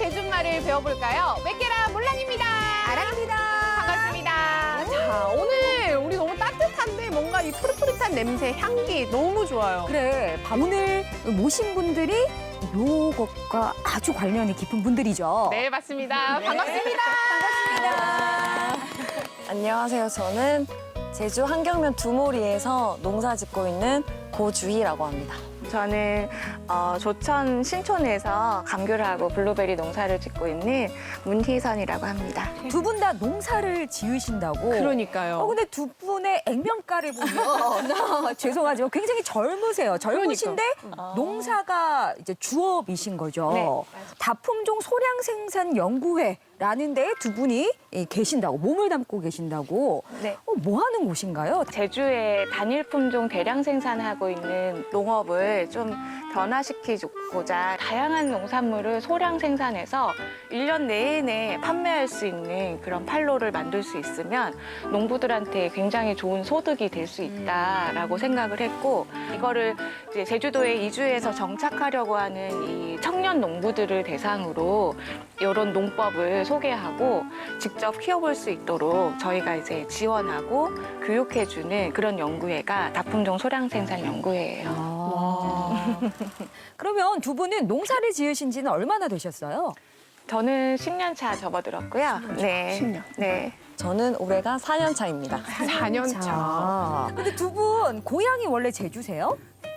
제주말을 배워볼까요? 맥게라 몰랑입니다. 아랑입니다. 반갑습니다. 자, 오늘 우리 너무 따뜻한데 뭔가 이 푸릇푸릇한 냄새, 향기 너무 좋아요. 그래, 오늘 모신 분들이 요것과 아주 관련이 깊은 분들이죠. 네, 맞습니다. 반갑습니다. 안녕하세요. 저는 제주 한경면 두모리에서 농사 짓고 있는 고주희라고 합니다. 저는 조천 신촌에서 감귤을 하고 블루베리 농사를 짓고 있는 문희선이라고 합니다. 두 분 다 농사를 지으신다고. 그러니까요. 근데 두 분의 액면가를 보면 죄송하지만 굉장히 젊으세요. 젊으신데 농사가 이제 주업이신 거죠. 네, 다품종 소량 생산 연구회라는 데에 두 분이 계신다고, 몸을 담고 계신다고. 네. 뭐 하는 곳인가요? 제주에 단일 품종 대량 생산하고 있는 농업을 좀 변화시키고자 다양한 농산물을 소량 생산해서 1년 내내 판매할 수 있는 그런 판로를 만들 수 있으면 농부들한테 굉장히 좋은 소득이 될 수 있다라고 생각을 했고, 이거를 이제 제주도에 이주해서 정착하려고 하는 이 청년 농부들을 대상으로 이런 농법을 소개하고 직접 키워볼 수 있도록 저희가 이제 지원하고 교육해주는 그런 연구회가 다품종 소량 생산 연구회예요. 그러면 두 분은 농사를 지으신 지는 얼마나 되셨어요? 저는 10년 차 접어들었고요. 네. 10년. 네. 저는 올해가 4년 차입니다. 4년 차. 근데 두 분 고향이 원래 제주세요?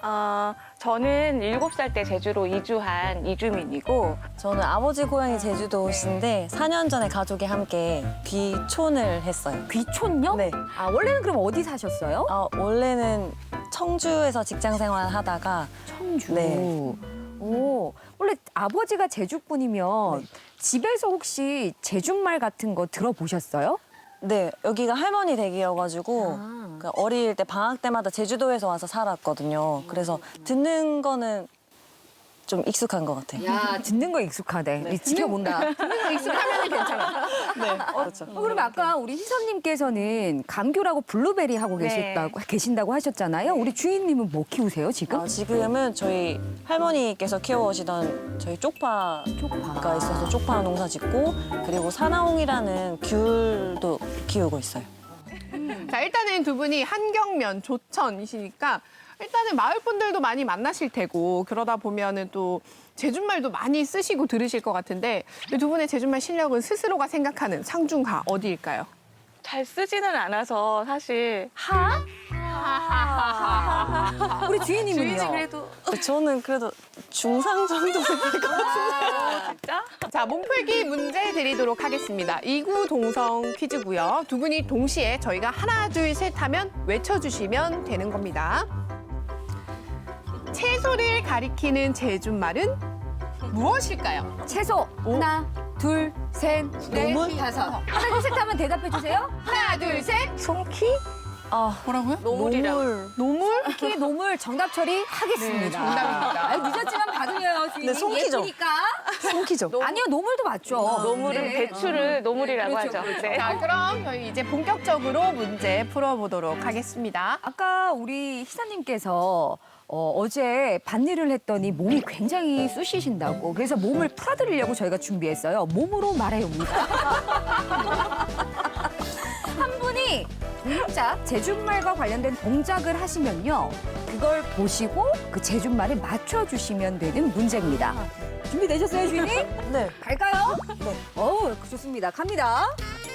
저는 7살 때 제주로 이주한 이주민이고, 저는 아버지 고향이 제주도신데 4년 전에 가족이 함께 귀촌을 했어요. 귀촌요? 네. 아, 원래는 그럼 어디 사셨어요? 원래는 청주에서 직장 생활 하다가 청주. 네. 오, 원래 아버지가 제주분이면 집에서 혹시 제주말 같은 거 들어보셨어요? 네, 여기가 할머니 댁이어가지고 아. 그 어릴 때 방학 때마다 제주도에서 와서 살았거든요. 그래서 듣는 거는 좀 익숙한 것 같아요. 야, 듣는 거 익숙하대. 이 지켜본다. 듣는 거 익숙하면 괜찮아. 네, 그렇죠. 그러면 아까 우리 희선님께서는 감귤하고 블루베리 하고 네. 계신다고 하셨잖아요. 우리 주인님은 뭐 키우세요, 지금? 지금은 저희 할머니께서 키워오시던 저희 쪽파가 쪽파. 있어서 쪽파 농사 짓고, 그리고 사나홍이라는 귤도 키우고 있어요. 자, 일단은 두 분이 한경면, 조천이시니까 일단은 마을 분들도 많이 만나실 테고, 그러다 보면은 또 제주말도 많이 쓰시고 들으실 것 같은데, 이 두 분의 제주말 실력은 스스로가 생각하는 상중하 어디일까요? 잘 쓰지는 않아서 사실 우리 주인님은요? 주인이 그래도 저는 그래도 중상 정도 될것 같아요. 진짜? 자, 몸풀기 문제 드리도록 하겠습니다. 이구동성 퀴즈고요. 두 분이 동시에 저희가 하나, 둘, 셋 하면 외쳐주시면 되는 겁니다. 채소를 가리키는 제주말은 무엇일까요? 채소. 하나, 둘, 셋, 넷, 다섯. 하나, 둘, 셋 하면 대답해 주세요. 하나, 둘, 셋. 송키? 뭐라고요? 노물이라고. 노물? 특히 노물 정답 처리하겠습니다. 네, 정답입니다. 아유, 늦었지만 받으려요. 주인님. 네, 송키죠. 예쁘니까. 송키죠. 아니요, 노물도 맞죠. 노물은 네. 배추를 노물이라고 그렇죠, 하죠. 그렇죠. 네. 자, 그럼 저희 이제 본격적으로 문제 풀어보도록 하겠습니다. 아까 우리 희사님께서 어제 밭일을 했더니 몸이 굉장히 쑤시신다고, 그래서 몸을 풀어드리려고 저희가 준비했어요. 몸으로 말해요입니다. 한 분이 동작, 제주말과 관련된 동작을 하시면요, 그걸 보시고 그 제주말에 맞춰주시면 되는 문제입니다. 준비되셨어요, 주인님? 네. 갈까요? 네. 어우, 좋습니다. 갑니다.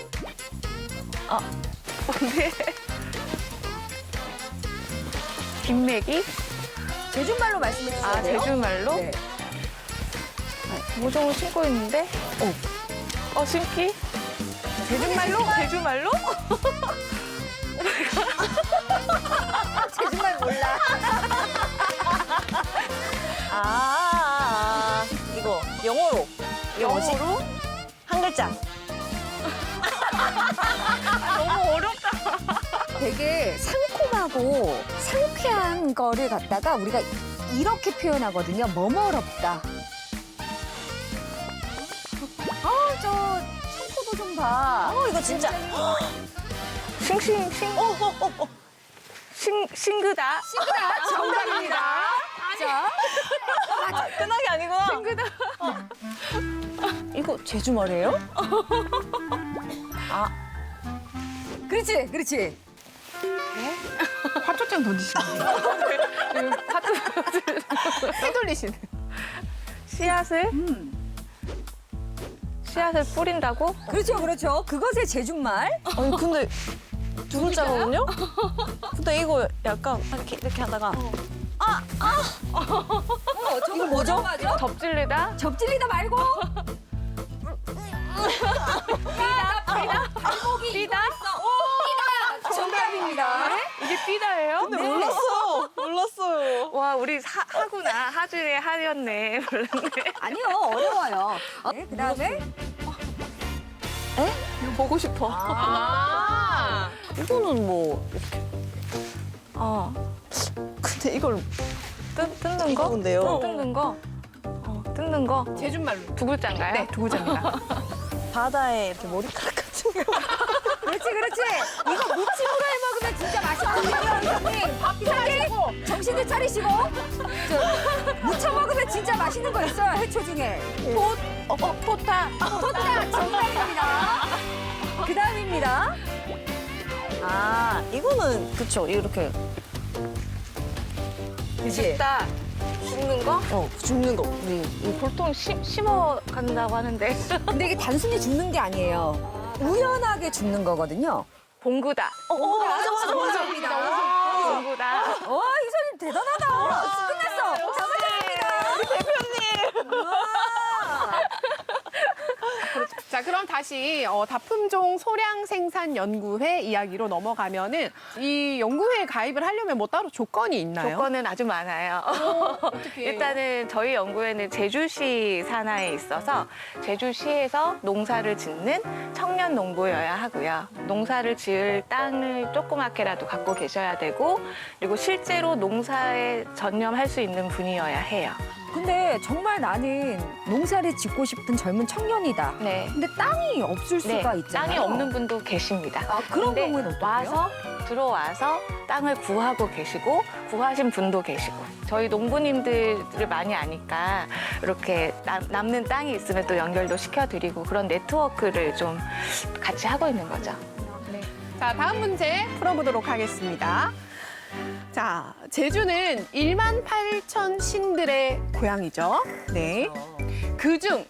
네. 뒷매기? 제주말로 말씀해 주세요. 제주말로? 네. 모종을 신고 있는데? 신기? 제주말로? 제주말로? 제주말 몰라. 이거 영어로. 이게 뭐지? 영어로? 한 글자. 너무 어렵다. 되게 상콤하고 상쾌한 거를 갖다가 우리가 이렇게 표현하거든요. 머머럽다. 저 청포도 좀 봐. 이거 진짜. 싱싱싱. 싱그다. 싱그다. 정답입니다. 진짜. 끈하게 아니구나. 이거 제주말이에요? 그렇지, 그렇지. 화초장 던지시는 거예요? 휘둘리시는. 씨앗을 뿌린다고? 그렇죠, 그렇죠. 그것의 제주말. 아니 근데 두 글자거든요? 근데 이거 약간 이렇게 하다가 이거 뭐죠? 덮질리다? 접질리다 말고. 발목이 삐다? 삐다. 정답입니다. 이게 삐다예요? 몰랐어요. 와, 우리 하구나. 하준의 하였네. 몰랐네. 아니요, 어려워요. 네, 그다음에 이거 보고 싶어. 아. 이거는 뭐 근데 이걸 뜯는 거? 이건데요. 뜯는 거? 뜯는 거? 제주말로. 두 글자인가요? 네, 두 글자입니다. 바다에 이렇게 머리카락 같은 거. 그렇지, 그렇지. 이거 무침으로 해 먹으면 진짜 맛있거든요, 형님. 밥 차리시고 정신을 차리시고. 무쳐 먹으면 진짜 맛있는 거 있어요, 해초 중에. 포타. 토타 정답입니다. 그다음입니다. 이거는 그쵸 이렇게 그지? 뜯다. 줍는 거? 줍는 거. 우리 보통 심어 간다고 하는데. 근데 이게 단순히 죽는 게 아니에요. 우연하게 죽는 거거든요. 봉구다. 맞아. 봉구다. 이선님 대단하다. 끝났어. 잡아줍니다. 우리 대표님. 자, 그럼 다시 다품종 소량 생산 연구회 이야기로 넘어가면은 이 연구회에 가입을 하려면 뭐 따로 조건이 있나요? 조건은 아주 많아요. 일단은 저희 연구회는 제주시 산하에 있어서 제주시에서 농사를 짓는 청년 농부여야 하고요. 농사를 지을 땅을 조그맣게라도 갖고 계셔야 되고, 그리고 실제로 농사에 전념할 수 있는 분이어야 해요. 근데 정말 나는 농사를 짓고 싶은 젊은 청년이다. 네. 근데 땅이 없을 수가 있잖아요. 땅이 없는 분도 계십니다. 그런 근데 경우에는 어떡해요? 들어와서 땅을 구하고 계시고 구하신 분도 계시고 저희 농부님들을 많이 아니까 이렇게 남는 땅이 있으면 또 연결도 시켜드리고 그런 네트워크를 좀 같이 하고 있는 거죠. 자, 다음 문제 풀어보도록 하겠습니다. 자, 제주는 1만 8천 신들의 고향이죠. 네. 그중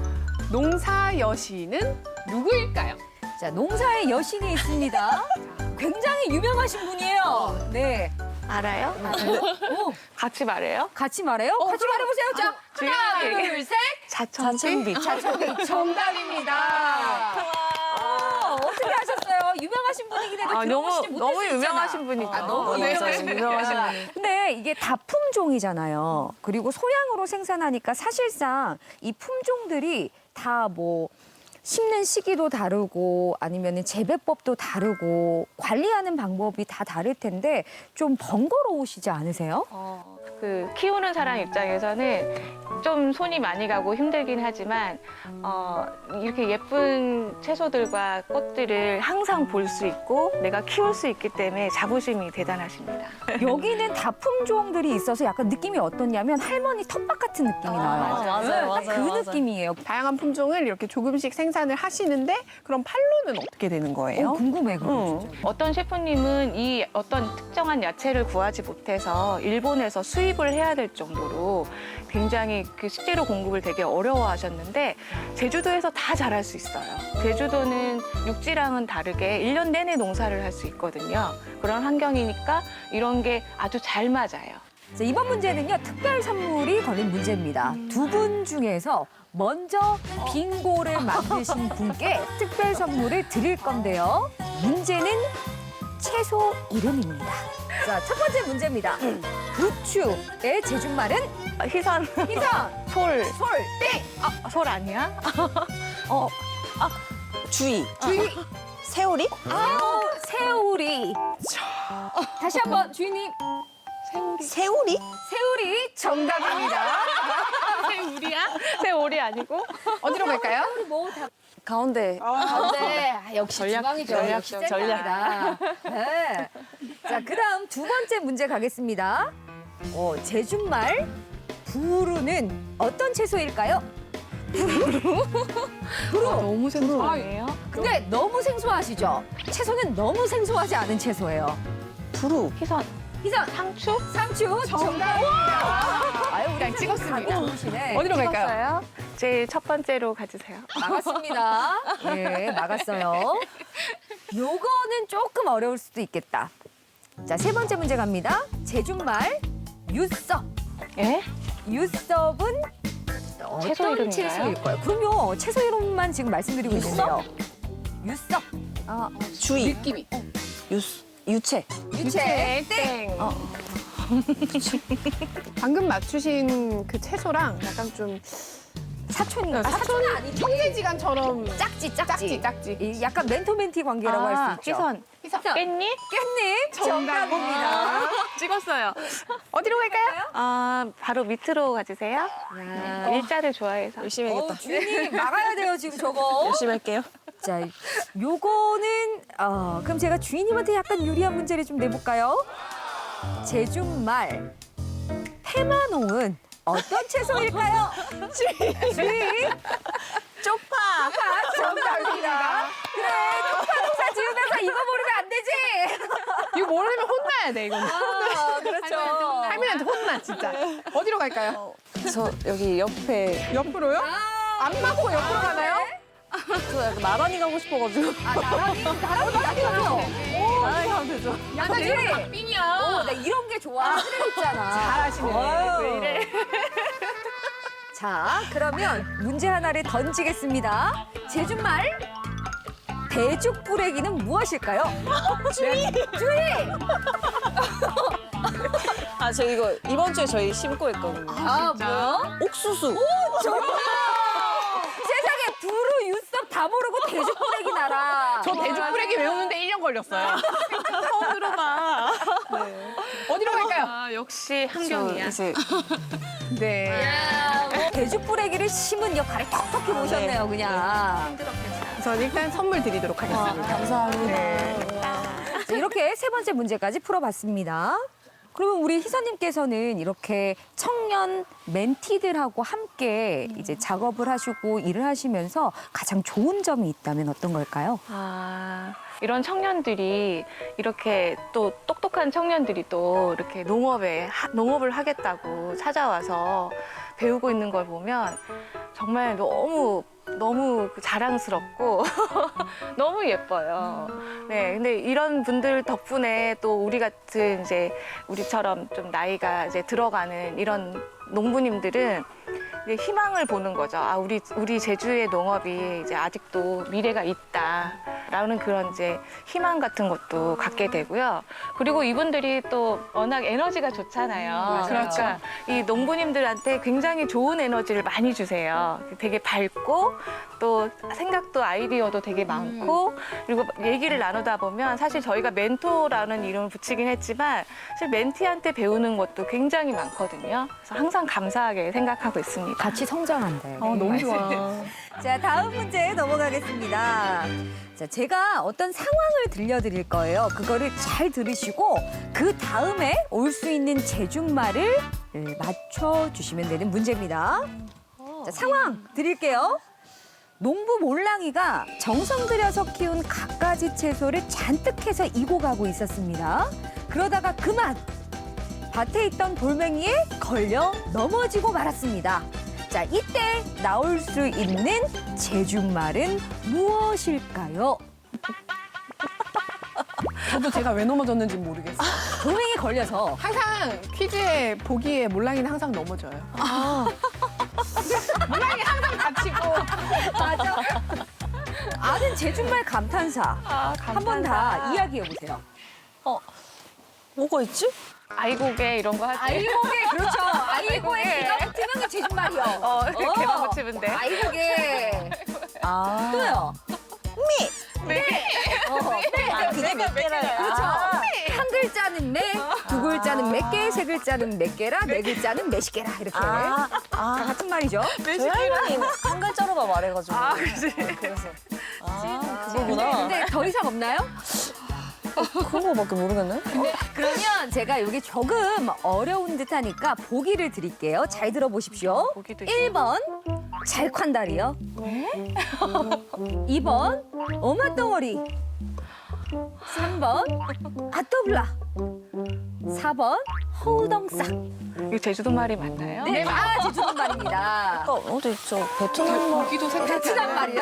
농사 여신은 누구일까요? 자, 농사의 여신이 있습니다. 굉장히 유명하신 분이에요. 네. 알아요? 오, 같이 말해요? 같이 말해요? 같이 말해보세요. 자, 하나, 둘, 셋. 자천비? 자천비 정답입니다. 어떻게 하셨어요? 유명하신 분이긴 해도 들어보시지 못할 너무 수 있잖아. 유명하신 분이죠. 너무 네. 유명하신 분이야. 근데 이게 다 품종이잖아요. 그리고 소량으로 생산하니까 사실상 이 품종들이 다 뭐 심는 시기도 다르고 아니면 재배법도 다르고 관리하는 방법이 다 다를 텐데 좀 번거로우시지 않으세요? 그 키우는 사람 입장에서는 좀 손이 많이 가고 힘들긴 하지만 이렇게 예쁜 채소들과 꽃들을 항상 볼 수 있고 내가 키울 수 있기 때문에 자부심이 대단하십니다. 여기는 다 품종들이 있어서 약간 느낌이 어떻냐면 할머니 텃밭 같은 느낌이 나요. 맞아요. 딱 그 느낌이에요. 다양한 품종을 이렇게 조금씩 생산을 하시는데 그럼 판로는 어떻게 되는 거예요? 궁금해, 그거 진짜. 어떤 셰프님은 이 어떤 특정한 야채를 구하지 못해서 일본에서 수입을 해야 될 정도로 굉장히 그 식재료 공급을 되게 어려워하셨는데 제주도에서 다 잘할 수 있어요. 제주도는 육지랑은 다르게 1년 내내 농사를 할 수 있거든요. 그런 환경이니까 이런 게 아주 잘 맞아요. 자, 이번 문제는요, 특별 선물이 걸린 문제입니다. 두 분 중에서 먼저 빙고를 만드신 분께 특별 선물을 드릴 건데요. 문제는 채소 이름입니다. 자, 첫 번째 문제입니다. 부추의 제주말은 희선, 희선, 솔. 솔, 땡! 솔 아니야? 주의. 주의, 세오리? 새우리. 다시 한번 주인님, 세오리? 새우리 정답입니다. 우리야? 새오리 아니고? 어디로 갈까요? 뭐다 가운데. 네, 역시 주방이죠. 역시 전략. 센터입니다. 네. 자, 그다음 두 번째 문제 가겠습니다. 제주말 부루는 어떤 채소일까요? 너무 생소하네요. 근데 너무 생소하시죠? 채소는 너무 생소하지 않은 채소예요. 부루. 희선, 희선, 상추? 상추 정답입니다. 아유, 우리 그냥 찍었습니다. 감이 좋으시네. 어디로 갈까요? 찍었어요? 제일 첫 번째로 가주세요. 막았습니다. 예, 막았어요. 요거는 조금 어려울 수도 있겠다. 자, 세 번째 문제 갑니다. 제주말 유섭. 예? 유섭은 채소 어떤 이름인가요? 채소일까요? 그럼요. 채소 이름만 지금 말씀드리고 있는데요. 유섭. 주의. 느낌이. 유채. 유채. 땡. 방금 맞추신 그 채소랑 약간 좀 사촌인가? 사촌은 아니지. 형제지간처럼 짝지, 짝지 짝지. 이 약간 멘토멘티 관계라고 할 수 있죠. 희선, 희선. 깻잎? 깻잎 정답입니다. 찍었어요. 어디로 갈까요? 바로 밑으로 가주세요. 야. 일자를 좋아해서. 열심히 해야겠다. 주인님 막아야 돼요 지금 저거. 열심히 할게요. 자, 요거는 그럼 제가 주인님한테 약간 유리한 문제를 좀 내볼까요? 제주말 페마농은 어떤 채소일까요? 주인. 쪽파. 정답입니다. 그래, 쪽파 농사 지으면서 이거 모르면 안 되지. 이거 모르면 혼나야 돼 이거는. 그렇죠. 할머니한테 혼나 진짜. 어디로 갈까요? 저 여기 옆에 옆으로요? 안 맞고 옆으로 가나요? 저 약간 나란히 가고 싶어가지고. 나란히 가요. 나란히 가면 되죠. 나란히. 빙이야. 나 이런 게 좋아. 있잖아. 잘하시네. 왜 이래? 자, 그러면 문제 하나를 던지겠습니다. 제주말 대죽부레기는 무엇일까요? 주의! 아, 저 이거 이번 주에 저희 심고 했거든요. 뭐요? 옥수수. 정답! 세상에 부루, 유섭 다 모르고 대죽부레기 나라. 저 대죽부레기 외우는데 1년 걸렸어요. 처음 들어봐. 어디로 갈까요? 역시 저 한경이야. 이제 네. 대죽부레기를 심은 역할을 톡톡히 보셨네요, 그냥. 전 일단 선물 드리도록 하겠습니다. 감사합니다. 네. 자, 이렇게 세 번째 문제까지 풀어봤습니다. 그러면 우리 희선님께서는 이렇게 청년 멘티들하고 함께 이제 작업을 하시고 일을 하시면서 가장 좋은 점이 있다면 어떤 걸까요? 이런 청년들이 이렇게 또 똑똑한 청년들이 또 이렇게 농업을 하겠다고 찾아와서 배우고 있는 걸 보면 정말 너무 자랑스럽고 너무 예뻐요. 네, 근데 이런 분들 덕분에 또 우리 같은 이제 우리처럼 좀 나이가 이제 들어가는 이런 농부님들은 이제 희망을 보는 거죠. 우리 제주의 농업이 이제 아직도 미래가 있다라는 그런 이제 희망 같은 것도 갖게 되고요. 그리고 이분들이 또 워낙 에너지가 좋잖아요. 그러니까 이 농부님들한테 굉장히 좋은 에너지를 많이 주세요. 되게 밝고 또 생각도 아이디어도 되게 많고 그리고 얘기를 나누다 보면 사실 저희가 멘토라는 이름을 붙이긴 했지만 사실 멘티한테 배우는 것도 굉장히 많거든요. 그래서 항상 감사하게 생각하고 있습니다. 같이 성장한대. 너무 좋아. 자, 다음 문제 넘어가겠습니다. 자, 제가 어떤 상황을 들려드릴 거예요. 그거를 잘 들으시고 그 다음에 올 수 있는 제주말을 맞춰주시면 되는 문제입니다. 자, 상황 드릴게요. 농부 몰랑이가 정성 들여서 키운 갖가지 채소를 잔뜩 해서 이고 가고 있었습니다. 그러다가 그만 밭에 있던 돌멩이에 걸려 넘어지고 말았습니다. 자, 이때 나올 수 있는 제주말은 무엇일까요? 저도 제가 왜 넘어졌는지 모르겠어요. 돌멩이 걸려서. 항상 퀴즈에 보기에 몰랑이는 항상 넘어져요. 몰랑이 항상 다치고. 맞아. 아는 제주말 감탄사. 한 번 다 이야기해 보세요. 뭐가 있지? 아이고개 이런 거 하지. 아이고개, 그렇죠. 아이고에 개가 붙으면 그 제주말이요. 개만 붙이면 돼. 아이고개. 아. 또요. 그게 몇 개라요? 그렇죠. 한 글자는 매, 두 글자는 몇 개, 세 글자는 몇 개라, 네 글자는 몇십 개라 이렇게 다 같은 말이죠. 저희 할머니 한 글자로만 말해가지고. 그치. 그래서. 근데, 그거구나. 근데 더 이상 없나요? 그런 거밖에 모르겠네. 그러면 제가 여기 조금 어려운 듯하니까 보기를 드릴게요. 잘 들어보십시오. 보기도 1번 잘콴다리요. 2번 오마덩어리. 3번 아떠블라. 4번 허우덩싹. 이거 제주도 말이 맞나요? 네, 제주도 말입니다. 어디 있죠? 베트남 말. 보기도 생각. 베트남 말이요?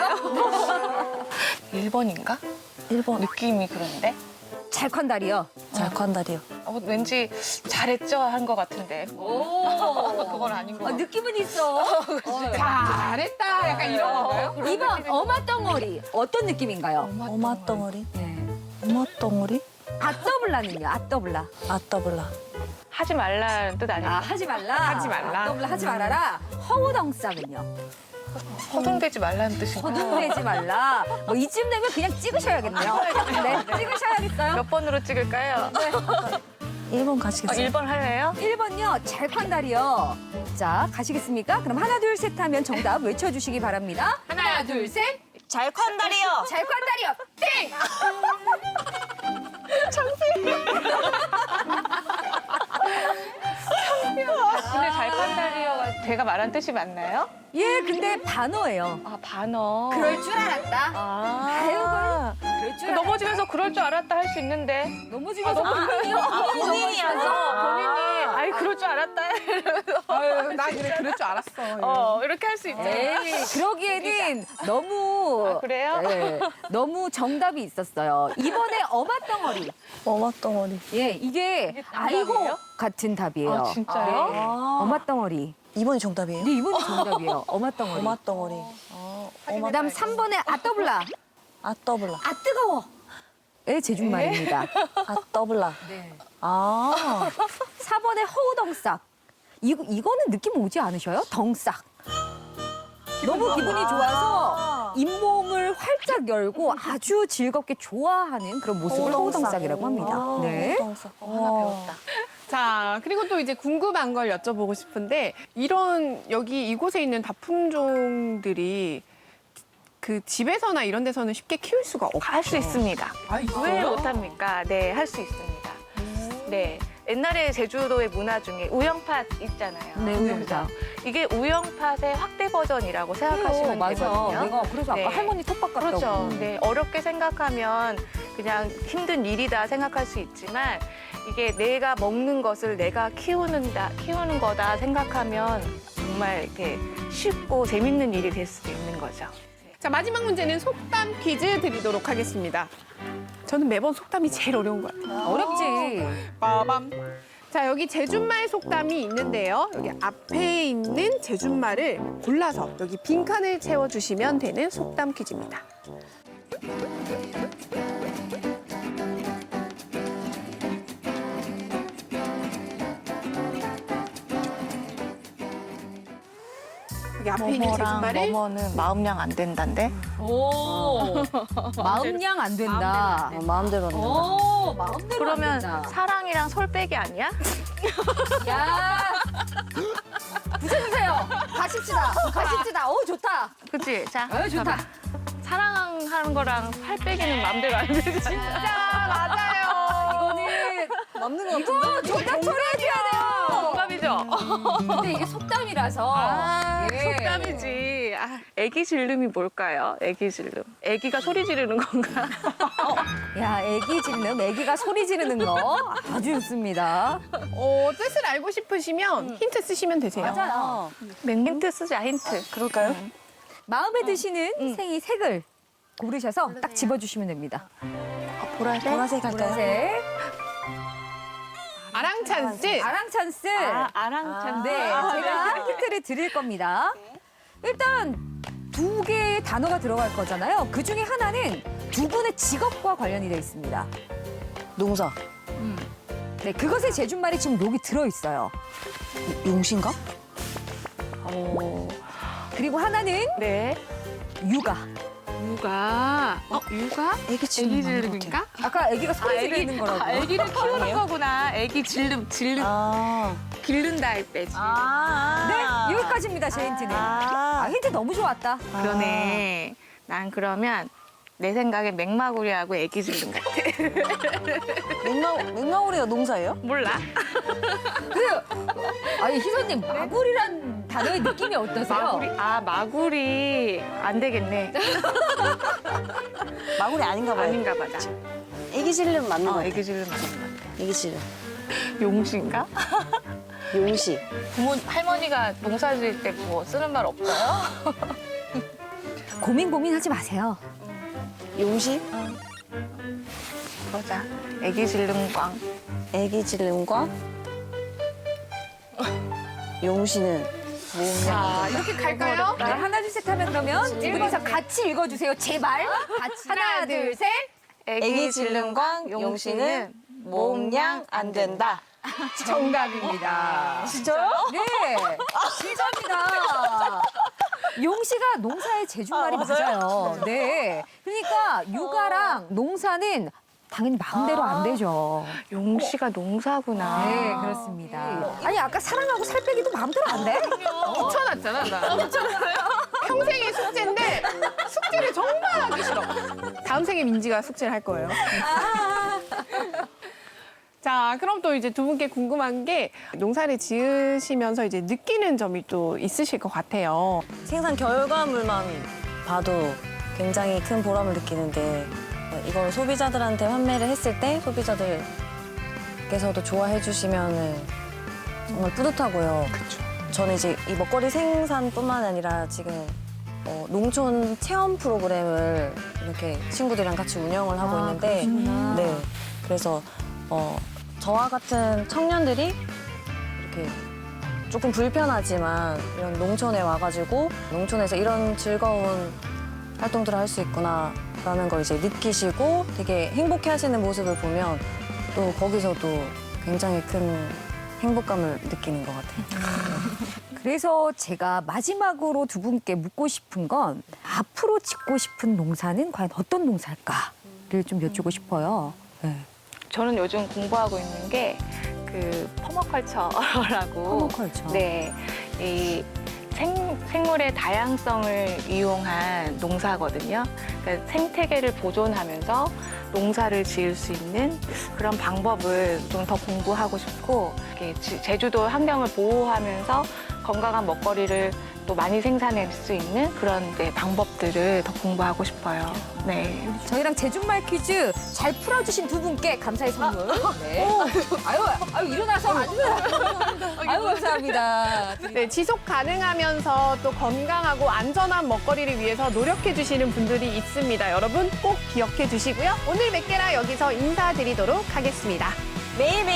1번인가? 1번. 느낌이 그런데? 잘콴다리요. 잘콴다리요. 왠지 잘했죠 한 것 같은데. 오. 그건 아닌 것 같아요. 느낌은 있어. 잘했다. 약간 이런 건가요? 2번 어마덩어리. 어떤 느낌인가요? 오마덩어리. 네. 오마덩어리? 아떠블라는요? 아떠블라. 아떠블라. 하지 말라는 뜻 아니에요? 하지 말라. 하지 말라. 아떠블라 하지 말아라. 허우덩싹은요? 허둥대지 말라는 뜻인가? 허둥대지 말라. 뭐 이쯤 되면 그냥 찍으셔야겠네요. 네, 찍으셔야겠어요. 몇 번으로 찍을까요? 1번 가시겠어요? 1번 할래요? 1번요, 잘콴다리요. 자, 가시겠습니까? 그럼 하나, 둘, 셋 하면 정답 외쳐주시기 바랍니다. 하나, 둘, 셋. 잘콴다리요. 잘콴다리요. 땡! 근데 잘판다리어가 제가 말한 뜻이 맞나요? 예, 근데 반어예요. 아 반어. 그럴 줄 알았다. 아. 그럴 줄 알았다. 넘어지면서 그럴 줄 알았다 할 수 있는데. 넘어지면서 본인이요? 본인이어서. 본인이 아이 그럴 줄 알았다. 아유, 나 그럴 줄 알았어. 이렇게 할 수 있죠. 에이, 그러기에는 너무. 아, 그래요? 네, 너무 정답이 있었어요. 이번에 어마덩어리. 오마덩어리. 예, 이게 아이고 정답이에요? 같은 답이에요. 아 진짜요? 네. 어마덩어리. 2번이 정답이에요? 네, 이번이 정답이에요. 어마덩어리. 오마덩어리. 그다음 3번에 아떠블라. 아떠블라. 아 뜨거워. 의 제준말입니다. 아떠블라. 네. 아. 4번에 허우덩싹. 이거는 느낌 오지 않으셔요? 덩싹. 너무 기분이 좋아서 잇몸을 활짝 열고 아주 즐겁게 좋아하는 그런 모습을 허우덩싹이라고 합니다. 네. 하나 배웠다. 자, 그리고 또 이제 궁금한 걸 여쭤보고 싶은데 이런 여기 이곳에 있는 다품종들이 그 집에서나 이런 데서는 쉽게 키울 수가 없죠. 할 수 있습니다. 아, 왜 있어요? 못합니까? 네, 할 수 있습니다. 네. 옛날에 제주도의 문화 중에 우영팥 있잖아요. 네, 우영팥. 이게 우영팥의 확대 버전이라고 생각하시면 맞아. 되거든요. 내가 그래서 네. 아까 할머니 텃밭 같다고. 그렇죠. 네, 어렵게 생각하면 그냥 힘든 일이다 생각할 수 있지만 이게 내가 먹는 것을 내가 키우는 거다 생각하면 정말 이렇게 쉽고 재밌는 일이 될 수도 있는 거죠. 자, 마지막 문제는 속담 퀴즈 드리도록 하겠습니다. 저는 매번 속담이 제일 어려운 것 같아요. 어렵지. 빠밤. 자, 여기 제준말 속담이 있는데요. 여기 앞에 있는 제준말을 골라서 여기 빈칸을 채워주시면 되는 속담 퀴즈입니다. 여기 앞에 있는 제준말을 뭐뭐는 마음량 안 된다인데? 오. 마음량 안 된다. 마음대로 하는 거. 오, 마음대로 그러면 안 된다. 사랑이랑 솔빼기 아니야? 야. 붙여주세요. 가십시다. 오, 좋다. 그치? 자, 좋다. 봐봐. 사랑하는 거랑 팔 빼기는 마음대로 안 되잖아. 진짜 맞아요. 이거는 맞는 거 이거 정답 처리해줘야 돼요. 동갑이죠? 근데 이게 속담이라서. 예. 속담이지. 애기 질름이 뭘까요? 애기 질름. 애기가 소리 지르는 건가? 야, 애기 짖는, 애기가 소리 지르는 거 아주 좋습니다. 뜻을 알고 싶으시면 힌트 쓰시면 되세요. 맞아요. 힌트 쓰자, 힌트. 그럴까요? 마음에 드시는 생이 색을 고르셔서 딱 집어주시면 됩니다. 보라색? 보라색 할까요? 보라색. 아랑 찬스. 아랑 찬스. 아랑 찬. 네, 제가 힌트를 드릴 겁니다. 일단 2개의 단어가 들어갈 거잖아요. 그 중에 하나는 두 분의 직업과 관련이 돼 있습니다. 농사. 네, 그것의 제준말이 지금 여기 들어있어요. 용신가? 그리고 하나는 네. 육아. 육아. 육아? 애기 지금 애기 질름인가? 아까 애기가 소리 지르는 거라고. 애기를 키우는 거구나. 애기 질름, 아. 기른다 할 때지. 네, 여기까지입니다, 제 힌트는. 힌트 너무 좋았다. 그러네. 난 그러면 내 생각엔 맹마구리하고 애기질름 같아. 맹마구리가 농사예요? 몰라? 아니 희선님 마구리란 단어의 느낌이 어떠세요? 마구리 안 되겠네. 마구리 아닌가 봐요. 아닌가 보다. 애기질름 맞는 거 같아. 애기질름 맞는 것 같아. 애기질름. 용시인가? 용시. 할머니가 농사 지을 때 뭐 쓰는 말 없어요? 고민하지 마세요. 용시? 그러자. 애기질름광. 애기질름과 용시는 자, 이렇게 갈까요? 네, 하나 둘 셋 하면 그러면 두 분이서 같이 읽어주세요. 제발. 같이 하나 둘 셋. 애기질름과 용시는 몸량 안 된다. 정답입니다. 진짜요? 네, 진짜입니다. 용시가 농사의 제주말이 맞아요. 네. 그러니까 육아랑 농사는 당연히 마음대로 안 되죠. 용시가 농사구나. 네, 그렇습니다. 아니, 아까 사랑하고 살 빼기도 마음대로 안 돼? 붙여놨잖아, 나. 평생의 숙제인데 숙제를 정말 하기 싫어. 다음 생에 민지가 숙제를 할 거예요. 자, 그럼 또 이제 두 분께 궁금한 게 농사를 지으시면서 이제 느끼는 점이 또 있으실 것 같아요. 생산 결과물만 봐도 굉장히 큰 보람을 느끼는데 이걸 소비자들한테 판매를 했을 때 소비자들께서도 좋아해 주시면은 정말 뿌듯하고요. 저는 이제 이 먹거리 생산뿐만 아니라 지금 농촌 체험 프로그램을 이렇게 친구들이랑 같이 운영을 하고 있는데 그러시구나. 네. 그래서 저와 같은 청년들이 이렇게 조금 불편하지만 이런 농촌에 와가지고 농촌에서 이런 즐거운 활동들을 할 수 있구나라는 걸 이제 느끼시고 되게 행복해하시는 모습을 보면 또 거기서도 굉장히 큰 행복감을 느끼는 것 같아요. 그래서 제가 마지막으로 두 분께 묻고 싶은 건 앞으로 짓고 싶은 농사는 과연 어떤 농사일까를 좀 여쭈고 싶어요. 네. 저는 요즘 공부하고 있는 게 그 퍼머컬처라고. 퍼머컬처. 네. 이 생물의 다양성을 이용한 농사거든요. 그러니까 생태계를 보존하면서 농사를 지을 수 있는 그런 방법을 좀 더 공부하고 싶고, 이렇게 제주도 환경을 보호하면서 건강한 먹거리를 또 많이 생산할 수 있는 그런 방법들을 더 공부하고 싶어요. 네. 저희랑 제주말 퀴즈 잘 풀어주신 두 분께 감사의 선물. 네. 아유, 일어나서 앉으세요. 아유, 감사합니다. 네, 지속 가능하면서 또 건강하고 안전한 먹거리를 위해서 노력해 주시는 분들이 있습니다. 여러분 꼭 기억해 주시고요. 오늘 몇 개라 여기서 인사드리도록 하겠습니다. 매일매일